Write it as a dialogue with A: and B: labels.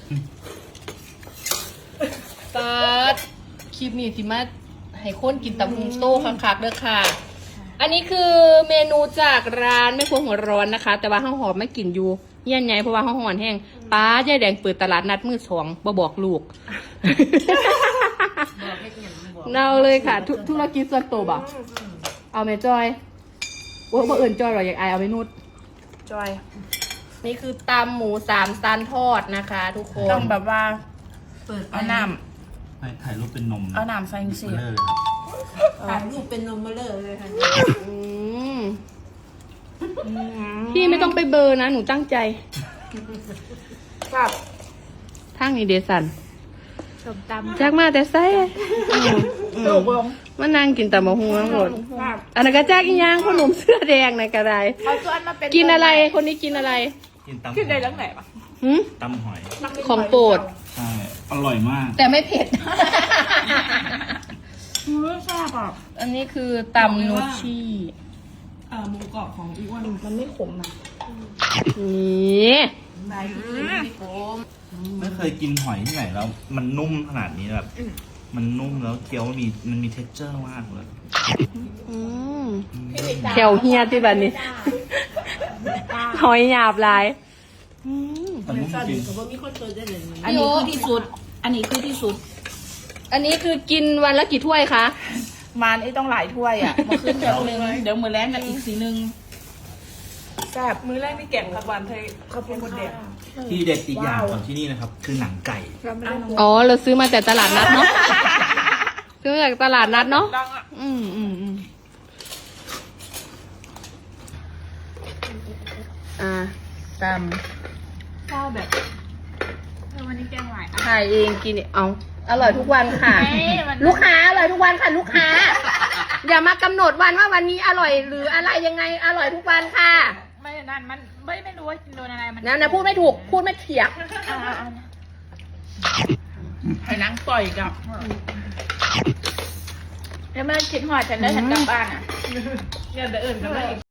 A: ตาดคลิปนี้สิมาให้คนกินตำหุงโต้คักๆเด้อค่ะ อันนี้คือเมนูจากร้านแม่ครัวหัวร้อนนะคะ แต่ว่าข้าวหอมไม่กินอยู่เยี่ยนไงเพราะว่าข้าวหอมแห้งป้ายายแดงเปิดตลาดนัดมือสองบ่บอกลูกเน่าเลยค่ะธุรกิจส่วนตัวบ่เอาไหมจอยโอ้บ่เอิ่นจอยหรออยากอายเอาไปนุด
B: จอย
A: นี่คือตำหมู3 ชั้นทอดนะคะ ทุกคน
B: ต้องแบบว่าเอาน้
C: ำถ่ายรูปเป็นนม
B: เอาน้ำใส่เสีย
D: ถ่ายรูปเป็นนมมาเลยค่ะ
A: พี่ไม่ต้องไปเบอร์นะหนูตั้งใจ
B: ครับ
A: ทางนี้เดซัน
B: สมตำ
A: จากมาแต่ไส้
B: ถูกลง
A: มานั่งกินแต่มะฮุงทั้งหมดอันนั้นก็จากอีหย่างพ่อหนุ่มเสื้อแดงนะกระไร
B: เขาชวนมาเป็น
A: กินอะไรคนนี้กินอะไร
C: กินตำ
B: กินได้ตั้งไหนปะ
C: ตำหอย
A: ของโปรด
C: ใช่อร่อยมาก
A: แต่ไม่เผ็ด
B: ทราบอ่ะ
A: อันนี้คือตำนูชี่
D: หมูกรอบของอีอ้วน
B: มันไม่ขมนะ
A: นี่
D: นายที่กินไม่โกม
C: ไม่เคยกินหอยที่ไหนแล้ว มันนุ่มขนาดนี้แบบมันนุ่มแล้วเคี้ยวมันมีเท็กเจอร์มากเลย
A: แถวเฮียที่บ้านนี้หอยหยาบลาย
C: แต่นุ่ม
D: ก็
C: จ
D: ดี
C: ริง
D: กับว่ามีคนเคยได้เลย
B: อันนี้คือที่สุด อันนี้คือที่สุด
A: อันนี้คือกินวันละกี่ถ้วยคะ
B: มันไอ้ต้องหลายถ้วยอ่ะมาขึ้นเดี๋ยวนึงเดี๋ยวมือแรงกันอีกสีนึงแซ่บ
D: มื้อแรกนี่แก่งผักหวานไทยข้าวโพดคนเด็ก
C: ที่เด็ดอีกอย่างของที่นี่นะครับ คือหนังไก่
A: อ๋อเราซื้อมาจากตลาดนัดเนาะ ซื้อมาจากตลาดนัดเนาะ
B: ดังอ่ะ
A: อืมต
B: ข้าวแบบวันนี้แกงหลาย
A: ำถ่ายเองกินเองเอาอร่อยทุกวันค่ะ ลูกค้าอร่อยทุกวันค่ะ ลูกค้า อย่ามากำหนดวันว่าวันนี้อร่อยหรืออะไรยังไงอร่อยทุกวันค่ะ
B: ไม่นั่นมันไม่รู้ว่ากินโดนอะไรมัน
A: นะพูดไม่ถูกพูดไม่เถียง
B: ไอ้นังปล่อยกับแล้วมันคิดหอดฉันได้ฉันกลับบ้านอ่ะ
D: เนี่ยเดี๋ยวอื่นกันได้